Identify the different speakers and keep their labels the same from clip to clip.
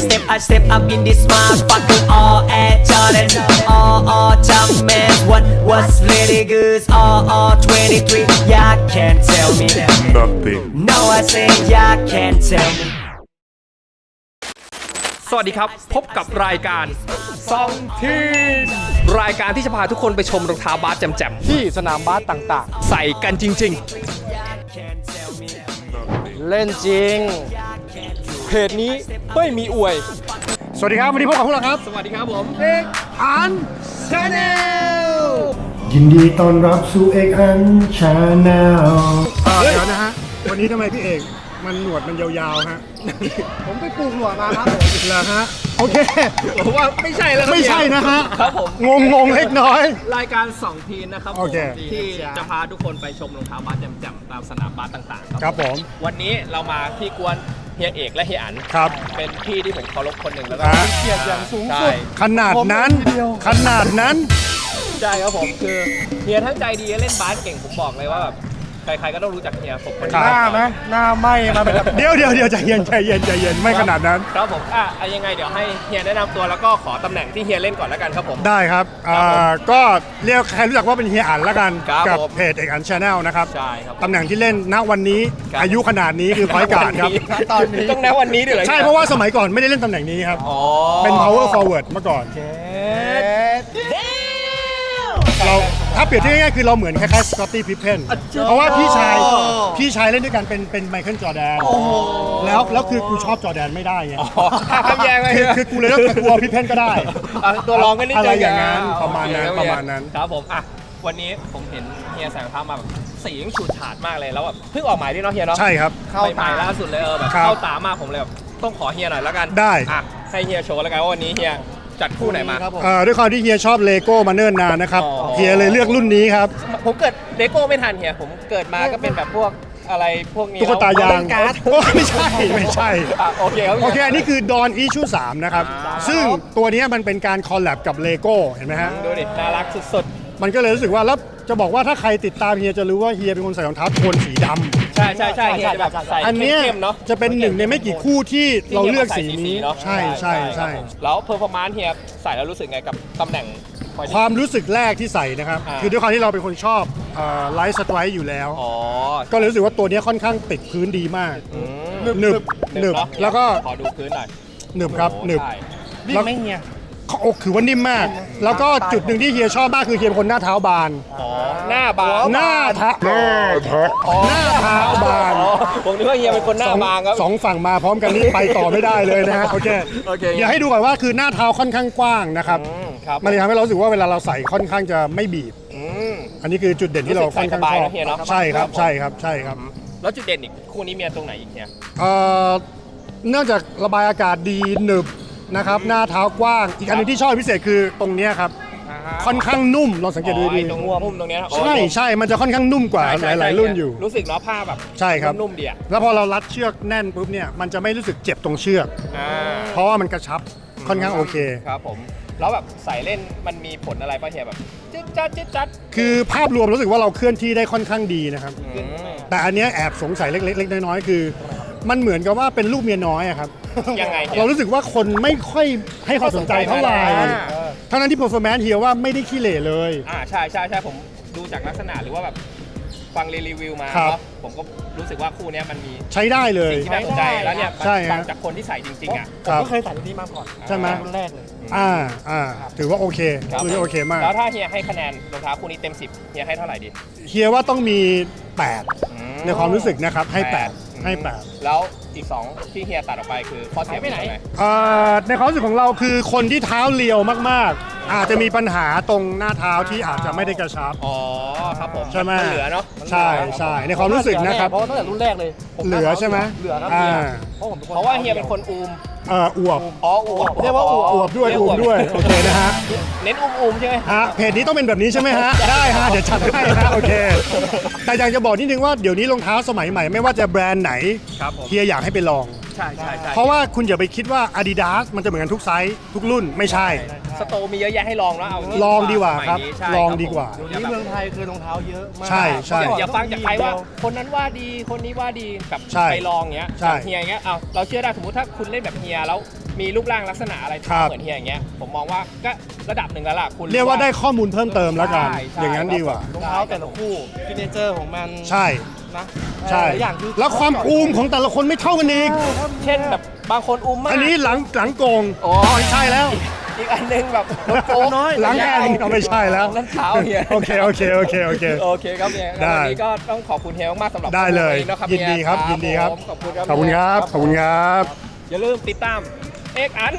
Speaker 1: I step up in this motherfucker. All Air Jordan, all Jumpman. What was really good? All 23. Y'all can't tell me
Speaker 2: Nothing.
Speaker 1: No, I say y'all can't tell me.
Speaker 3: สวัสดีครับพบกับรายการซองทีนรายการที่จะพาทุกคนไปชมรองเท้าบาสแจ่ม
Speaker 4: ที่สนามบาสต่าง
Speaker 3: ๆใส่กันจริง
Speaker 4: ๆ เล่นจริง เพจนี้ไม่มีอวย
Speaker 2: สวัสดีครับวันนี้พบกับพวกเราครับ
Speaker 3: ๆ สวัสดีครับผม
Speaker 2: อันชาแนล
Speaker 5: ยินดีต้อนรับสู่เอกอันชาแนล
Speaker 2: เดี๋ยวนะฮะวันนี้ทำไมพี่เอกมันหนวดมันยาวๆฮะ
Speaker 4: ผมไปปลูกหนวดมาครับผม
Speaker 2: เหรอฮะโอเค
Speaker 3: ผมว่าไม่ใช่แล้วครับ
Speaker 2: ไม่ใช่นะฮะ
Speaker 3: ครับผม
Speaker 2: งงเล็กน้อย
Speaker 3: รายการ2ทีนนะครับผม
Speaker 2: โอเค
Speaker 3: ที่จะพาทุกคนไปชมรองเท้าบาสแจ่มๆตามสนามบาสต่างๆ
Speaker 2: ครับผม
Speaker 3: วันนี้เรามาที่กวนเฮียเอกและเฮียอัน
Speaker 2: ครับ
Speaker 3: เป็นพี่ที่ผมเคารพคนหนึ่งแล้วก็
Speaker 2: ฮะ
Speaker 4: เกียรติอย่างสูง
Speaker 3: ใช่
Speaker 4: สุด
Speaker 2: ขนาดนั้น
Speaker 4: ผมเดียว
Speaker 2: ขนาดนั้น
Speaker 3: ใช่ครับผมคือเฮียทั้งใจดีเล่นบาสเก่งผมบอกเลยว่าแบบใครๆก็ต้องรู้จักเฮียผมคน
Speaker 2: ครั
Speaker 3: นี้
Speaker 2: บ
Speaker 4: หน้าไหมหน้าไหมมาเป็นแบบ
Speaker 2: เดี๋ยวใจเย็นไม่ขนาดนั้น
Speaker 3: ครับผมยังไงเดี๋ยวให้เฮียแนะนำตัวแล้วก็ขอตำแหน่งที่เฮียเล่นก่อนแล้วกันครับผม
Speaker 2: ได้ครับ
Speaker 3: ครับผม
Speaker 2: ก็เรียกใครรู้จักว่าเป็นเฮียอันละกัน
Speaker 3: ครับ
Speaker 2: กับ
Speaker 3: ผม
Speaker 2: เพจเอกอันชาแนลนะครับ
Speaker 3: ใช่ครับ
Speaker 2: ตำแหน่งที่เล่นณวันนี้
Speaker 3: ครับ
Speaker 2: อายุขนาดนี้คือพอยการ์ดครับ
Speaker 4: ตอนนี้
Speaker 3: ต้องแนะวันนี้ด้วยเหรอ
Speaker 2: ใช่เพราะว่าสมัยก่อนไม่ได้เล่นตำแหน่งนี้ครับ
Speaker 3: อ๋อ
Speaker 2: เป็น power forward เมื่อก่อน เราถ้าเปรียบเทียบง่ายๆคือเราเหมือนคล้ายๆสกอตตี้พิพเพนเพราะว่าพี่ชายเล่นด้วยกันเป็นไมเคิลจอร์แดนแล้วคือกูชอบจอร์แดนไม่ได้ไง
Speaker 3: อ๋อห้ามแย่งไว้
Speaker 2: คือกูเลยต้องกลัวพิพเพนก็ได้
Speaker 3: ตัวรองก็นิด
Speaker 2: อะไร
Speaker 3: เดีว
Speaker 2: อย่างนั้น
Speaker 3: โอ
Speaker 2: ประมาณ
Speaker 3: เค
Speaker 2: นั้น
Speaker 3: โอเค
Speaker 2: ประมาณนั้น
Speaker 3: ครับผมวันนี้ผมเห็นเฮียใส่รองเท้ามาแบบสียังฉูดฉาดมากเลยแล้วแบบเพิ่งออกหมายด้วยเนาะเฮียเนาะ
Speaker 2: ใช่ครับ
Speaker 3: ใหม่ๆล่าสุดเลยแบบ
Speaker 2: ครับ
Speaker 3: เข้าตามากผมเลยแบบต้องขอเฮียหน่อยแล้วกัน
Speaker 2: ได้
Speaker 3: ให้เฮียโชว์แล้วกันว่าวันนี้เฮียจัดคู่ไหนมา
Speaker 4: ครับผม
Speaker 2: ด้วยความที่เฮียชอบเลโก้มาเนิ่นนานนะครับ
Speaker 3: อ๋อ
Speaker 2: เฮียเลยเลือกรุ่นนี้ครับ
Speaker 3: ผมเกิดเลโก้ไม่ทันเฮียผมเกิดมาก็เป็นแบบพวกอะไรพวกนี้
Speaker 2: ตุ๊กตายาง
Speaker 3: การ์ด
Speaker 2: โอ้ไม่ใช่
Speaker 3: โอเคครับ
Speaker 2: โอเค อันนี้คือดอนอีชู3นะครับ ซึ่งตัวนี้มันเป็นการคอลแลบกับเลโก้เห็นไหมฮะ
Speaker 3: ดูดิน่ารักสุด
Speaker 2: มันก็เลยรู้สึกว่าแล้วจะบอกว่าถ้าใครติดตามเฮียจะรู้ว่าเฮียเป็นคนใส่รองเท้าโทนสีดำ
Speaker 3: ๆใช่เฮียจะแบบใส่
Speaker 2: อันเนี้ย
Speaker 3: เข้มๆเนาะ
Speaker 2: จะเป็นหนึ่งในไม่กี่คู่ที่เราเลือกสีนี้
Speaker 3: เนาะ
Speaker 2: ใช่
Speaker 3: ครับผมแล้วเพอร์ฟอร์มานซ์เฮียใส่แล้วรู้สึกไงกับตำแหน่ง
Speaker 2: ความรู้สึคือแรกที่ใส่นะครับ คือด้วยความที่เราเป็นคนชอบไลท์สไตร์อยู่แล้ว
Speaker 3: อ๋อ
Speaker 2: ก็เลยรู้สึกว่าตัวเนี้ยค่อนข้างติดพื้นดีมาก หนึบ
Speaker 3: เนาะ
Speaker 2: แล้วก็
Speaker 3: ขอดูพื้นหน่อย
Speaker 2: หนึบครับหนึบ
Speaker 3: ใช่
Speaker 4: นี่ไม่เฮีย
Speaker 2: อกคือว่านิ่มมาก แล้วก็จุดหนึ่งที่เฮียชอบมากคือเฮียเป็นคนหน้าเท้าบาน
Speaker 3: อ๋อหน้าบาง
Speaker 2: หน้าเท้าบาน
Speaker 3: อ๋อผมนึกว่าเฮียเป็นคนหน้าบางครับ
Speaker 2: สองฝั่งมาพร้อมกันนี่ไปต่อไม่ได้เลยนะฮะโอเค
Speaker 3: โอเค
Speaker 2: เดี๋ยวให้ดูก่อนว่าคือหน้าเท้าค่อนข้างกว้างนะครับ
Speaker 3: ครับ
Speaker 2: มันเลยทำให้เรารู้สึกว่าเวลาเราใส่ค่อนข้างจะไม่บีบ
Speaker 3: อืม
Speaker 2: อันนี้คือจุดเด่นที่เราค่อนข้างชอบ
Speaker 3: รู้สึกใส่สบายนะเฮียเนอะ
Speaker 2: ใช่ครับ
Speaker 3: แล้วจุดเด่นอีกคู่นี้มีตรงไหนอีกเนี่ย
Speaker 2: เนื่องจากระบายอากาศดีหนึบนะครับหน้าเท้ากว้าง อีกอันหนึงที่ชอบพิเศษคือตรงเนี้ยครับค่อนข้างนุ่มลองสังเกตดูดี
Speaker 3: ตรงพุ่มตรงเนี้ย
Speaker 2: ใช่มันจะค่อนข้างนุ่มกว่าหลายๆรุ่นอยู่
Speaker 3: รู้สึกเนาะผ้าแบบ
Speaker 2: ใช่ครับ
Speaker 3: นุ่มๆดีอ่ะ
Speaker 2: แล้วพอเรารัดเชือกแน่นปุ๊บเนี่ยมันจะไม่รู้สึกเจ็บตรงเชือก เพราะว่ามันกระชับค่อนข้างโอเค
Speaker 3: ครับผมแล้วแบบใส่เล่นมันมีผลอะไรป่ะเฮียแบบจิ๊ดจัด
Speaker 2: คือภาพรวมรู้สึกว่าเราเคลื่อนที่ได้ค่อนข้างดีนะครับ
Speaker 3: อืม
Speaker 2: แต่อันเนี้ยแอบสงสัยเล็กๆน้อยๆคือ มันเหมือนกับว่าเป็นลูกเมียน้อยอะครับ
Speaker 3: ยังไงฮีย
Speaker 2: เรารู้สึกว่าคนไม่ค่อยให้ความสนใจเท่าไหร่
Speaker 3: อ่า
Speaker 2: ทั้งนั้นที่ performance เฮียว่าไม่ได้ขี้เหร่เลย
Speaker 3: ใช่ผมดูจากลักษณะหรือว่าแบบฟังรีวิวมา
Speaker 2: ครับ
Speaker 3: เนาะผมก็รู้สึกว่าคู่เนี้ยมันมี
Speaker 2: ใช้ได้เลย
Speaker 3: สิ่งที่น่าสนใจแล้วเนี่ย
Speaker 2: ใช่ฮะ
Speaker 3: ฟังจากคนที่ใส่จริงๆอ่ะ
Speaker 4: ผมก็เคยใส่รุ่นนี้มาก่อน
Speaker 2: ใช่ไหม
Speaker 4: รุ่นแรกเลย
Speaker 2: ถือว่าโอเค
Speaker 3: ครับ
Speaker 2: ถือว่าโอเคมาก
Speaker 3: แล้วถ้าเฮียให้คะแนนรองเท้าคู่นี้เต็ม 10เฮียให้เท่าไหร่ดี
Speaker 2: เฮียว่าต้องมี 8 ในความรู้สึกนะครับให้ 8 ให้ 8
Speaker 3: แล้วอีก 2 ที่เฮียตัดออกไปคือข้อเสียไปไหน
Speaker 2: ในความรู้สึกของเราคือคนที่เท้าเรียวมากๆ อาจจะมีปัญหาตรงหน้าเท้าที่อาจจะไม่ได้กระชับ
Speaker 3: อ๋อครับผม
Speaker 2: ใช่ไหม
Speaker 3: นเหลือเนาะ
Speaker 2: ใช่ในความรู้สึกนะครับ
Speaker 4: เพราะว่าตั้งแต่รุ่นแรกเลยผม
Speaker 2: เหลือใช่ไหม
Speaker 4: เหลือครับ
Speaker 2: อ่า
Speaker 4: เพราะผมเป็นคน
Speaker 3: เพราะว่าเฮียเป็นคนอูม
Speaker 2: อวบ
Speaker 3: อ๋ออูม
Speaker 4: เรียกว่าอวบ
Speaker 2: อวบด้วยโอเคนะฮะ
Speaker 3: เน้นอูมใช่ไหม
Speaker 2: เพจนี้ต้องเป็นแบบนี้ใช่ไหมฮะ ได้ฮะเดี๋ยวจัดให้ฮะโอเค แต่อยากจะบอกนิดนึงว่าเดี๋ยวนี้รองเท้าสมัยใหม่ไม่ว่าจะแบรนด์ไหน
Speaker 3: ครับผม
Speaker 2: เฮียอยากให้ไปลอง
Speaker 3: อใช่ใช่ใช่
Speaker 2: เพราะว่าคุณอย่าไปคิดว่า Adidas มันจะเหมือนกันทุกไซส์ทุกรุ่นไม่ใช่
Speaker 3: สโตร์มีเยอะแยะให้ลองแล้วเอางี้
Speaker 2: ลองดีกว่าครับ
Speaker 3: สมัยนี้ใช่
Speaker 2: ลองดีกว่า
Speaker 3: ผม
Speaker 4: นี่เมืองไทยคือรองเท้าเยอะมาก
Speaker 2: ใช่ใช่
Speaker 3: อย่าฟังจากใครว่าคนนั้นว่าดีคนนี้ว่าดีกับ
Speaker 2: ใช่
Speaker 3: ไปลองเงี้ย
Speaker 2: ใช่
Speaker 3: อย่างเฮียอย่างเงี้ยเอาเราเชื่อได้สมมติถ้าคุณเล่นแบบเฮียแล้วมีรูปร่างลักษณะอะไร
Speaker 2: ครับ
Speaker 3: เหมือนเฮียอย่างเงี้ยผมมองว่าก็ระดับหนึ่งแล้วล่ะคุณ
Speaker 2: เรียกว่าได้ข้อมูลเพิ่มเติมแล้วกัน
Speaker 3: ใช่ใช่
Speaker 2: อย่างนั้นดีกว่า
Speaker 4: รองเท้าแต่ละคู่ซิกเนเจอร์ของมัน
Speaker 2: ใช่
Speaker 4: นะ
Speaker 2: ใช่
Speaker 4: หลายอย่างคือ
Speaker 2: แล้วความอูมของแต่ละคนไม่เท่ากันอีก
Speaker 3: เช่นแบบบางคนอุ้มมาก
Speaker 2: อันนี้หลังโกง
Speaker 3: อ๋อ
Speaker 2: ไม่ใช่แล้ว
Speaker 3: อีกอันหนึงแบบโป๊ะน้อย
Speaker 2: หลังแอนก็ไม่ใช่แล้ว
Speaker 3: นั่นเท้าเฮีย
Speaker 2: โอเคโอเคโอเคโอเค
Speaker 3: โอเคครับเฮีย
Speaker 2: ได้
Speaker 3: วันนี้ก็ต้องขอบคุณเฮียมากๆสำหรับ
Speaker 2: ได้เลย
Speaker 3: ข้อมูนะครับ
Speaker 2: ยินดีครับ
Speaker 3: เฮี
Speaker 2: ยินดีครับ
Speaker 3: ผมขอบคุณครับ
Speaker 2: ขอบคุณครับขอบคุณครับ
Speaker 3: อย่าลืมติดตามเอ็กอัน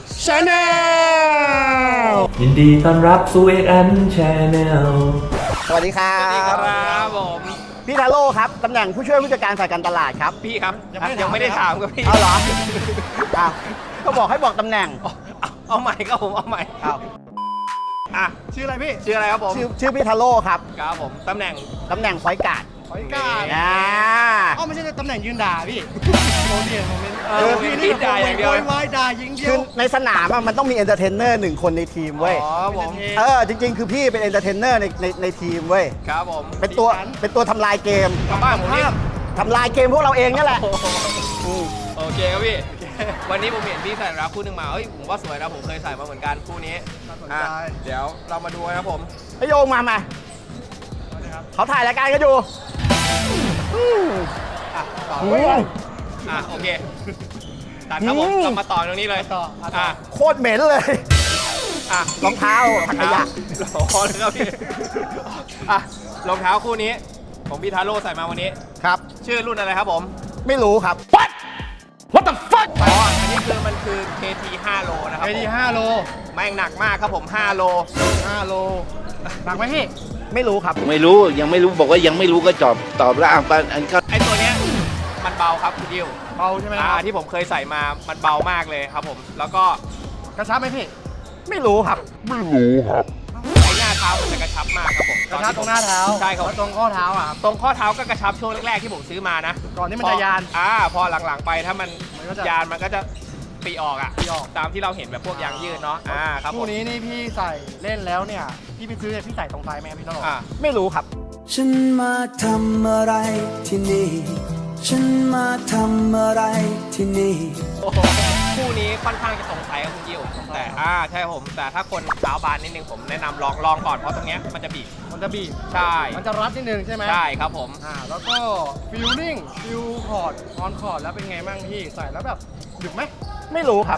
Speaker 2: Channel
Speaker 6: ยินดีต้อนรับสู่ XN Channel
Speaker 7: สวัสดีครั
Speaker 3: สวัสดี
Speaker 7: บ
Speaker 3: ครับผม
Speaker 7: พี่ทาโร่ครับ ตำแหน่งผู้ช่วยผู้จัดการฝ่ายการตลาดครับ
Speaker 3: พี่ครับยังไม่ได้ถามครับพี่
Speaker 7: เอาเหรออ้าวก็บอกให้บอกตำแหน่ง
Speaker 3: เอาใหม่ครับผมเอาใหม่
Speaker 7: อ้าว
Speaker 3: อ่ะ
Speaker 4: ชื่ออะไรพี่
Speaker 3: ชื่ออะไรครับผม
Speaker 7: ชื่อพี่ทาโร่ครับ
Speaker 3: ครับผมตำแหน่ง
Speaker 7: ตำแหน่งพอยการ์ด
Speaker 4: ขอยกาด
Speaker 7: อ่า
Speaker 4: อ๋อไม่ใช่ตำแหน่งยืนด่าพี่โมเดียนโมเมนต์
Speaker 3: พี่นี่ด่าอย่างเดียว
Speaker 4: โวยวายด่ายิงเดีย
Speaker 7: คือ
Speaker 4: ว
Speaker 7: ในสนามอะมันต้องมีเอนเตอร์เทนเนอร์หนึ่งคนในทีมเว้ย
Speaker 3: อ๋อผม
Speaker 7: จริงๆ คือพี่เป็นเอนเตอร์เทนเนอร์ในทีมเว้ย
Speaker 3: ครับผม
Speaker 7: เป็นตัวทำลายเกม
Speaker 3: กลับบ้านผมนี่
Speaker 7: ทำลายเกมพวกเราเองนี่แหละ
Speaker 3: โอเคครับพี่ วันนี้ผมเห็นพี่ใส่รองเท้าคู่หนึ่งมาเฮ้ยผมว่าสวยนะผมเคยใส่มาเหมือนกันคู่นี้
Speaker 4: น่าสน
Speaker 3: อ่ะ
Speaker 4: ใจ
Speaker 3: เดี๋ยวเรามาดูนะครับผม
Speaker 7: ไอโยงมาเขาถ่ายรายการกันอยู่
Speaker 3: อ่ะโอเคตัดครับผมเรามาต่อตรงนี้เลย
Speaker 4: ต่อ
Speaker 3: อ่ะ
Speaker 7: โคตรเหม็นเลย
Speaker 3: อ่ะ
Speaker 7: รองเท้าถังขยะ
Speaker 3: รองเท้าเลยครับพี่อ่ะรองเท้าคู่นี้ของพี่ทาโร่ใส่มาวันนี้
Speaker 7: ครับ
Speaker 3: ชื่อรุ่นอะไรครับผม
Speaker 7: ไม่รู้ครับ
Speaker 3: อ๋ออันนี้คือมันคือ KT 5 โลนะครับ
Speaker 4: ไป
Speaker 3: ผม
Speaker 4: ดี5 โล
Speaker 3: แม่งหนักมากครับผม 5 โล
Speaker 4: 5 โลหนักไหมพี่
Speaker 7: ไม่รู้ครับ
Speaker 8: ไม่รู้ยังไม่รู้บอกว่ายังไม่รู้ก็ตอบแล้วอันก็
Speaker 3: ไอตัวเนี้ยมันเบาครับคุณดิว
Speaker 4: เบาใช่ไหมครับ
Speaker 3: ที่ผมเคยใส่มามันเบามากเลยครับผม แล้วก็
Speaker 4: กระชับไหมพี่
Speaker 7: ไม่รู้ครับ
Speaker 3: ไอหน้าเท้ามันจะกระชับมากครับผม
Speaker 4: กระชับตรงหน้าเท้า
Speaker 3: ใช่ครับ
Speaker 4: แล้วตรงข้อเท้าอ่ะครับ
Speaker 3: ตรงข้อเท้าก็กระชับช่วงแรกๆที่ผมซื้อมานะ
Speaker 4: ก่อนที่มันจะยาน
Speaker 3: พอหลังๆไปถ้ามัน
Speaker 4: มันก็จะ
Speaker 3: ยานมันก็จะปีออกอ่ะ
Speaker 4: ปีออก
Speaker 3: ตามที่เราเห็นแบบพวกยางยืดเนาะครับผม
Speaker 4: คู่นี้นี่พี่ใส่เล่นแล้วเนี่ยพี่ไปซื้อเนี่ยพี่ใส่ตรงไซส์ไหมครับพี่ตลอด
Speaker 7: ไม่รู้ครับ
Speaker 1: ฉันมาทำอะไรที่นี่ ฉันมาทำอะไรที่นี่
Speaker 3: โอ้โหคู่นี้ค่อนข้างจะตรงไซส์ครับคุณยิวแต่ใช่ครับผมแต่ถ้าคนเท้าบานนิดนึงผมแนะนำลองก่อนเพราะตรงเนี้ยมันจะบีบ
Speaker 4: มันจะบีบ
Speaker 3: ใช่
Speaker 4: มันจะรัดนิดนึงใช่ไหม
Speaker 3: ใช่ครับผม
Speaker 4: แล้วก็ฟิลลิ่งฟิลคอร์ดออนคอร์ดแล้วเป็นไงบ้างพี่ใส่แล้วแบบดึกไหม
Speaker 7: ไม่รู้ครับ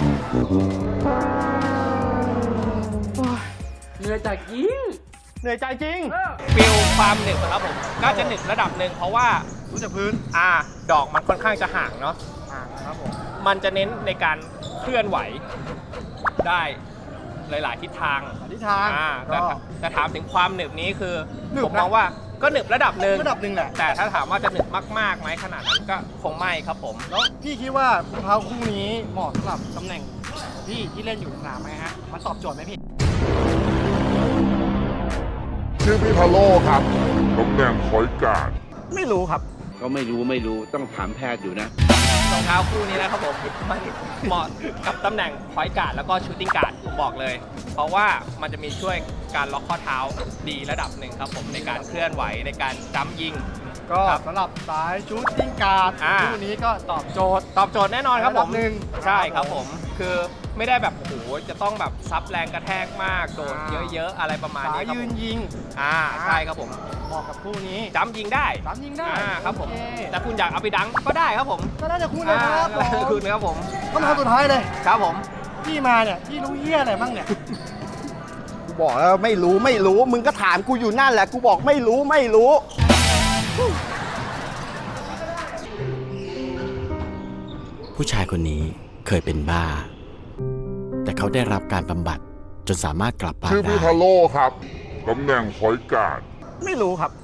Speaker 4: เหนื่อยใจจริง
Speaker 3: ฟิลความหนึบครับผมก็จะหนึบระดับหนึ่งเพราะว่า
Speaker 4: รู้จักพื้น
Speaker 3: ดอกมันค่อนข้างจะห่างเนาะ
Speaker 4: ครับผม
Speaker 3: มันจะเน้นในการเคลื่อนไหวได้หลาย ๆ ทิศทาง
Speaker 4: ทิศทาง
Speaker 3: แต่ถามถึงความหนึบนี้คือ
Speaker 4: หนึบ
Speaker 3: ผมมองว่าก็หนึบระดับหนึ่ง
Speaker 4: ระดับหนึ่งแหละ
Speaker 3: แต่ถ้าถามว่าจะหนึบมากๆไหมขนาดนั้นก็คงไม่ครับผม
Speaker 4: แล้วพี่คิดว่ารองเท้าคู่นี้เหมาะสำหรับตำแหน่งพี่ที่เล่นอยู่ในสนามไหมฮะมันตอบโจทย์ไหมพี่
Speaker 9: ชื่อพี่พาโลครับตำแหน่งคอยการ์ด
Speaker 7: ไม่รู้ครับ
Speaker 8: ก็ไม่รู้ต้องถามแพทย์อยู่นะ
Speaker 3: รองเท้าคู่นี้นะครับผมมันเหมาะกับตำแหน่งพอยต์การ์ดแล้วก็ชูตติ้งการ์ดผมบอกเลย เพราะว่ามันจะมีช่วยการล็อกข้อเท้าดีระดับหนึ่งครับผมในการเคลื่อนไหวในการจัมป์ยิง
Speaker 4: ก็
Speaker 3: ครับ
Speaker 4: สำหรับสายชูตติ้งการ์ด
Speaker 3: อ่า
Speaker 4: คู่นี้ก็ตอบโจทย์
Speaker 3: ตอบโจทย์แน่นอนครับผม
Speaker 4: ระดับหนึ่ง
Speaker 3: ใช่ครับผมคือไม่ได้แบบโอ้โหจะต้องแบบซับแรงกระแทกมากโดนเยอะๆอะไรประมาณ
Speaker 4: สา
Speaker 3: นี้
Speaker 4: ย
Speaker 3: ครับ
Speaker 4: ยื
Speaker 3: ผ
Speaker 4: น
Speaker 3: ม
Speaker 4: ยิง
Speaker 3: ใช่ครับผม
Speaker 4: เหมาะกับคู่นี้
Speaker 3: จัมป์ยิงได้
Speaker 4: สามยิงได้
Speaker 3: ครับผม
Speaker 4: โอเค
Speaker 3: แต่คุณอยากเอาไปดังก็ได้ครับผม
Speaker 4: ก็น่าจะคู่นะครับ
Speaker 3: ก็ได้คุณครับผม
Speaker 4: คำถามสุดท้ายเลย
Speaker 3: ครับผม
Speaker 4: พี่มาเนี่ยพี่รู้เหี้ยอะไรบ้างเนี่ย
Speaker 7: กูบอกแล้วไม่รู้ มึงก็ถามกูอยู่นั่นแหละ กูบอกไม่รู้
Speaker 10: ผู้ชายคนนี้เคยเป็นบ้า แต่เขาได้รับการบำบัดจนสามารถกลับบ้าน
Speaker 9: ชื่อ
Speaker 10: ได้
Speaker 9: พี่พาโลครับตำแหน่งคอยการ์ด
Speaker 7: ไม่รู้ครับ